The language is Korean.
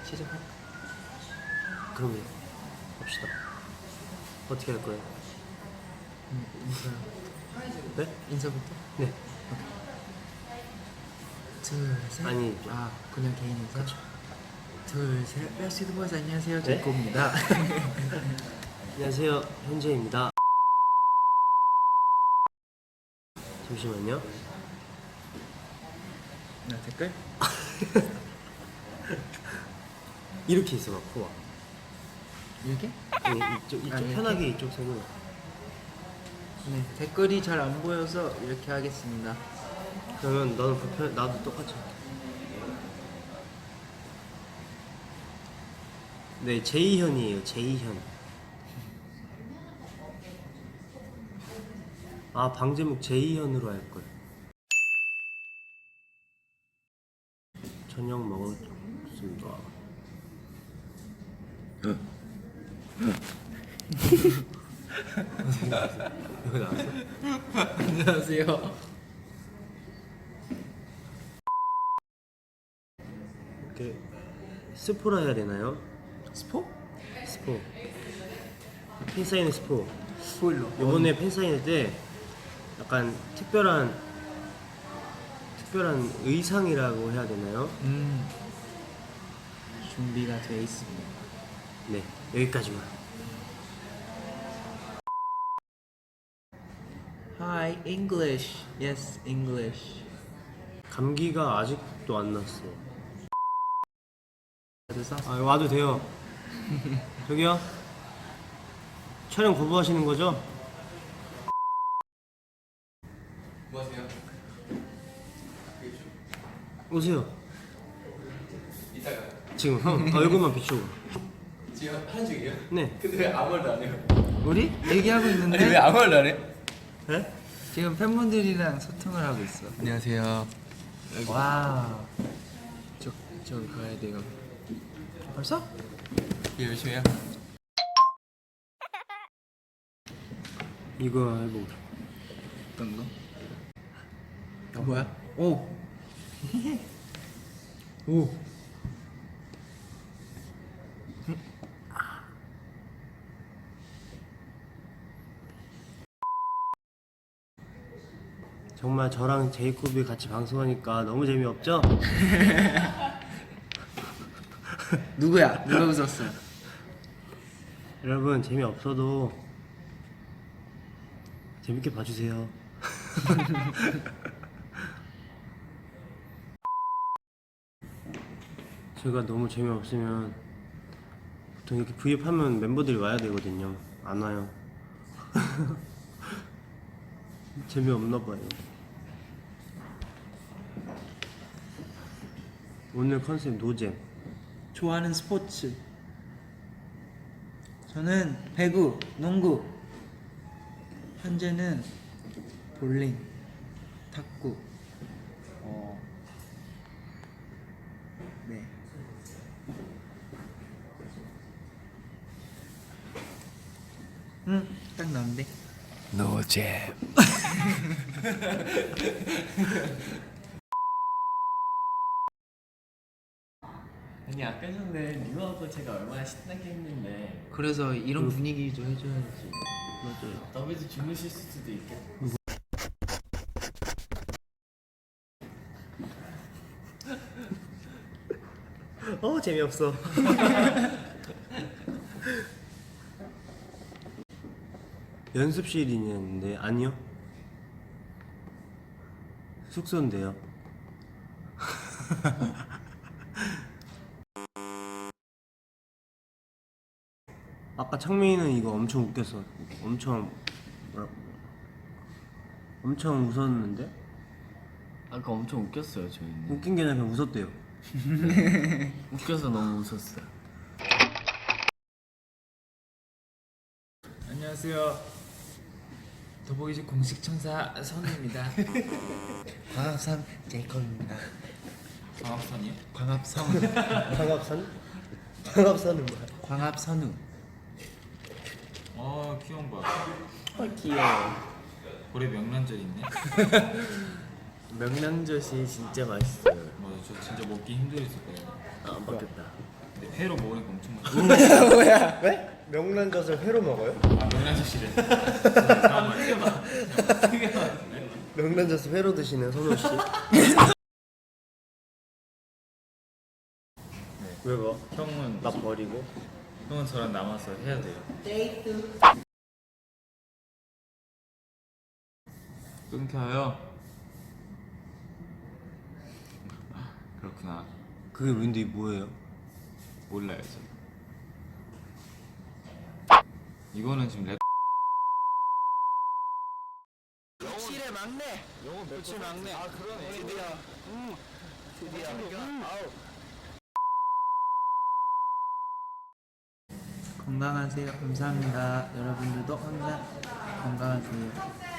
시작할까? 그럼요. 합시다. 어떻게 할 거예요? 인사. 네? 인사부터? 네. 둘, 셋. 아니, 아, 그냥 개인 인사? 그쵸. 둘, 셋. 베스트 보이즈 안녕하세요. 네? 제이코입니다. 안녕하세요. 현재입니다. 잠시만요. 나 댓글? 이렇게 있어 봐, 코가. 이렇게? 아니, 이쪽 이렇게? 편하게 이쪽 손으로. 네. 댓글이 잘 안 보여서 이렇게 하겠습니다. 그러면 너는 불편, 나도 똑같이 할게. 네, 제이현이에요. 제이현. 아, 방제목 제이현으로 할 걸. 저녁 먹었습니다. 이거 나왔어? 안녕하세요. 이렇게 스포라 해야 되나요? 스포? 스포. 팬사인회 스포. 스포일러. 이번에 팬사인회 때 약간 특별한 의상이라고 해야 되나요? 준비가 돼 있습니다. 네, 여기까지만. Hi, English. Yes, English. 감기가 아직도 안 났어. 그래서 아, 와도 돼요. 저기요. 촬영 거부하시는 거죠? 뭐 하세요? 오세요. 이따가 지금 형 얼굴만 비추고. 지금 하는 중이에요? 네. 근데 왜 아무 말도 안 해요? 우리 얘기하고 있는데 아니 왜 아무 말도 안 해? 네? 지금 팬분들이랑 소통을 하고 있어. 안녕하세요. 와. 저 가야 돼요. 벌써? 예, 열심히 해요. 이거 해보고. 어떤 거? 뭐야? 오. 오. 정말 저랑 제이콥이 같이 방송하니까 너무 재미없죠? 누구야? 누가 웃었어? 여러분 재미없어도 재밌게 봐주세요. 제가 너무 재미없으면 보통 이렇게 브이앱 하면 멤버들이 와야 되거든요. 안 와요. 재미없나 봐요. 오늘 컨셉 노잼. 좋아하는 스포츠. 저는 배구, 농구. 현재는 볼링, 탁구. 네. 딱 나온대. 노잼. 아니 아까 전에 뉴하고 제가 얼마나 신나게 했는데 그래서 이런 분위기도 해줘야지. 맞아요. 더비도 주무실 수도 있겠다. 재미없어. 연습실이냐는데 아니요. 숙소인데요. 아까 창민이는 이거 엄청 웃겼어. 엄청 웃었는데? 아까 엄청 웃겼어요 저희는. 웃긴 게 아니라 그냥 웃었대요. 웃겨서 너무 웃었어요. 안녕하세요. 더보이즈 공식 천사 선우입니다. 광합산 제이콥입니다. 광합선이요? 광합성. 광합산? 광합산은 뭐야? 광합선우. 아 귀여운 거. 귀여워. 볼에 명란젓 있네. 명란젓이 진짜 맛있어요. 맞아, 저 진짜 먹기 힘들었었거든요. 아, 바뀌었다. 네. 회로 먹으니까 엄청 맛있어. 뭐야? 왜? 명란젓을 회로 먹어요? 아 명란젓이래. 잠깐만. 명란젓을 회로 드시는 선호 씨. 왜 봐? 형은 나 버리고. 형은 저랑 남아서 해야 돼요. 끊겨요. 그렇구나. 그게 근데 뭐예요? 몰라요 저. 이거는 지금 랩. 칠의 막내. 며칠 막내. 아 그러네. 드디어. 아우. 건강하세요. 감사합니다. 여러분들도 항상 건강하세요.